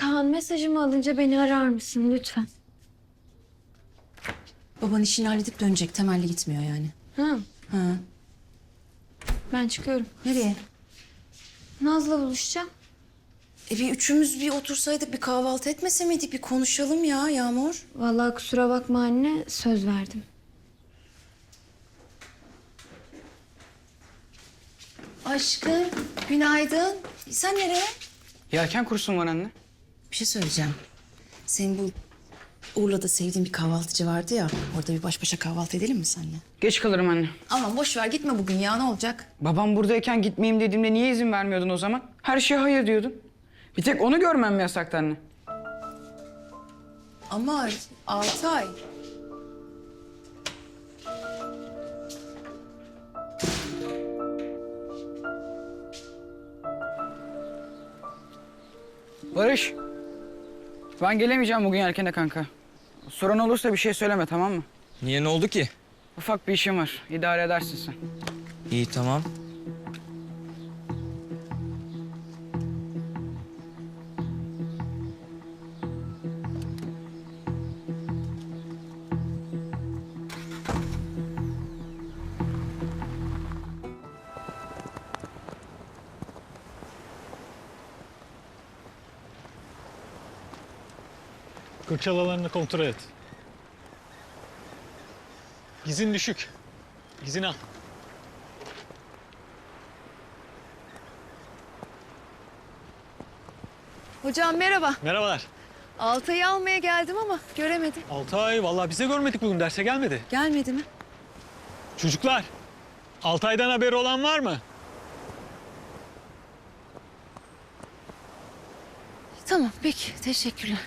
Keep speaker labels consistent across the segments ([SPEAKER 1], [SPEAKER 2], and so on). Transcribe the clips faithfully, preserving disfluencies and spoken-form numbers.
[SPEAKER 1] Kaan, mesajımı alınca beni arar mısın lütfen?
[SPEAKER 2] Baban işini halledip dönecek. Temelli gitmiyor yani.
[SPEAKER 1] Ha,
[SPEAKER 2] Ha.
[SPEAKER 1] ben çıkıyorum.
[SPEAKER 2] Nereye?
[SPEAKER 1] Naz'la buluşacağım.
[SPEAKER 2] E bir üçümüz bir otursaydık, bir kahvaltı etmese miydik? Bir konuşalım ya Yağmur.
[SPEAKER 1] Vallahi kusura bakma anne, söz verdim.
[SPEAKER 2] Aşkım, günaydın. Sen nereye?
[SPEAKER 3] Yelken kursun var anne.
[SPEAKER 2] Bir şey söyleyeceğim. Senin bu Urla'da sevdiğin bir kahvaltıcı vardı ya. Orada bir baş başa kahvaltı edelim mi seninle?
[SPEAKER 3] Geç kalırım anne.
[SPEAKER 2] Aman boş ver, gitme bugün ya, ne olacak?
[SPEAKER 3] Babam buradayken gitmeyeyim dediğimde niye izin vermiyordun o zaman? Her şeye hayır diyordun. Bir tek onu görmem mi yasaktı anne?
[SPEAKER 2] Ama Altay.
[SPEAKER 3] Barış. Ben gelemeyeceğim bugün yelkene kanka. Sorun olursa bir şey söyleme, tamam mı?
[SPEAKER 4] Niye, ne oldu ki?
[SPEAKER 3] Ufak bir işim var. İdare edersin sen.
[SPEAKER 4] İyi, tamam.
[SPEAKER 5] Kırçal alanını kontrol et. Gizin düşük. Gizin al.
[SPEAKER 6] Hocam merhaba.
[SPEAKER 5] Merhabalar.
[SPEAKER 6] Altay'ı almaya geldim ama göremedim.
[SPEAKER 5] Altay, vallahi bize görmedik bugün, derse gelmedi.
[SPEAKER 6] Gelmedi mi?
[SPEAKER 5] Çocuklar, Altay'dan haberi olan var mı?
[SPEAKER 6] Tamam peki teşekkürler.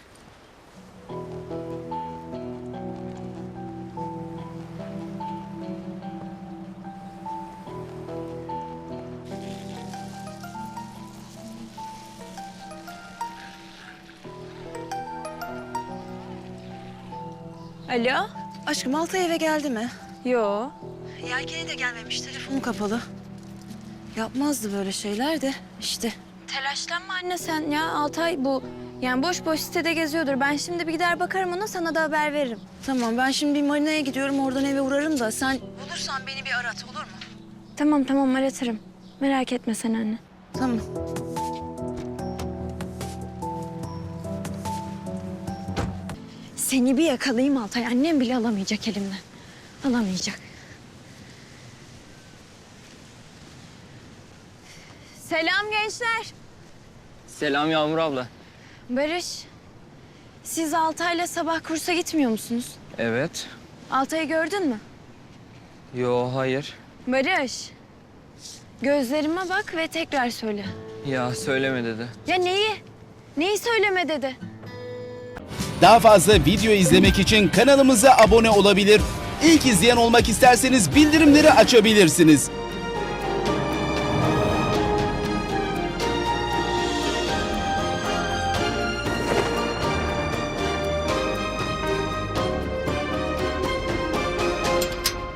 [SPEAKER 1] Alo?
[SPEAKER 2] Aşkım Altay eve geldi mi?
[SPEAKER 1] Yo.
[SPEAKER 2] Yelkeni de gelmemiş, telefonu kapalı. Yapmazdı böyle şeyler de işte.
[SPEAKER 1] Telaşlanma anne sen ya. Altay bu yani boş boş sitede geziyordur. Ben şimdi bir gider bakarım ona, sana da haber veririm.
[SPEAKER 2] Tamam, ben şimdi bir marinaya gidiyorum, oradan eve uğrarım da sen bulursan beni bir arat, olur mu?
[SPEAKER 1] Tamam tamam aratırım. Merak etme sen anne.
[SPEAKER 2] Tamam.
[SPEAKER 1] Seni bir yakalayayım Altay. Annem bile alamayacak elimden. Alamayacak. Selam gençler.
[SPEAKER 4] Selam Yağmur abla.
[SPEAKER 1] Barış, siz Altay'la sabah kursa gitmiyor musunuz?
[SPEAKER 4] Evet.
[SPEAKER 1] Altay'ı gördün mü?
[SPEAKER 4] Yo, hayır.
[SPEAKER 1] Barış, gözlerime bak ve tekrar söyle.
[SPEAKER 4] Ya söyleme dedi.
[SPEAKER 1] Ya neyi? Neyi söyleme dedi?
[SPEAKER 7] Daha fazla video izlemek için kanalımıza abone olabilir. İlk izleyen olmak isterseniz bildirimleri açabilirsiniz.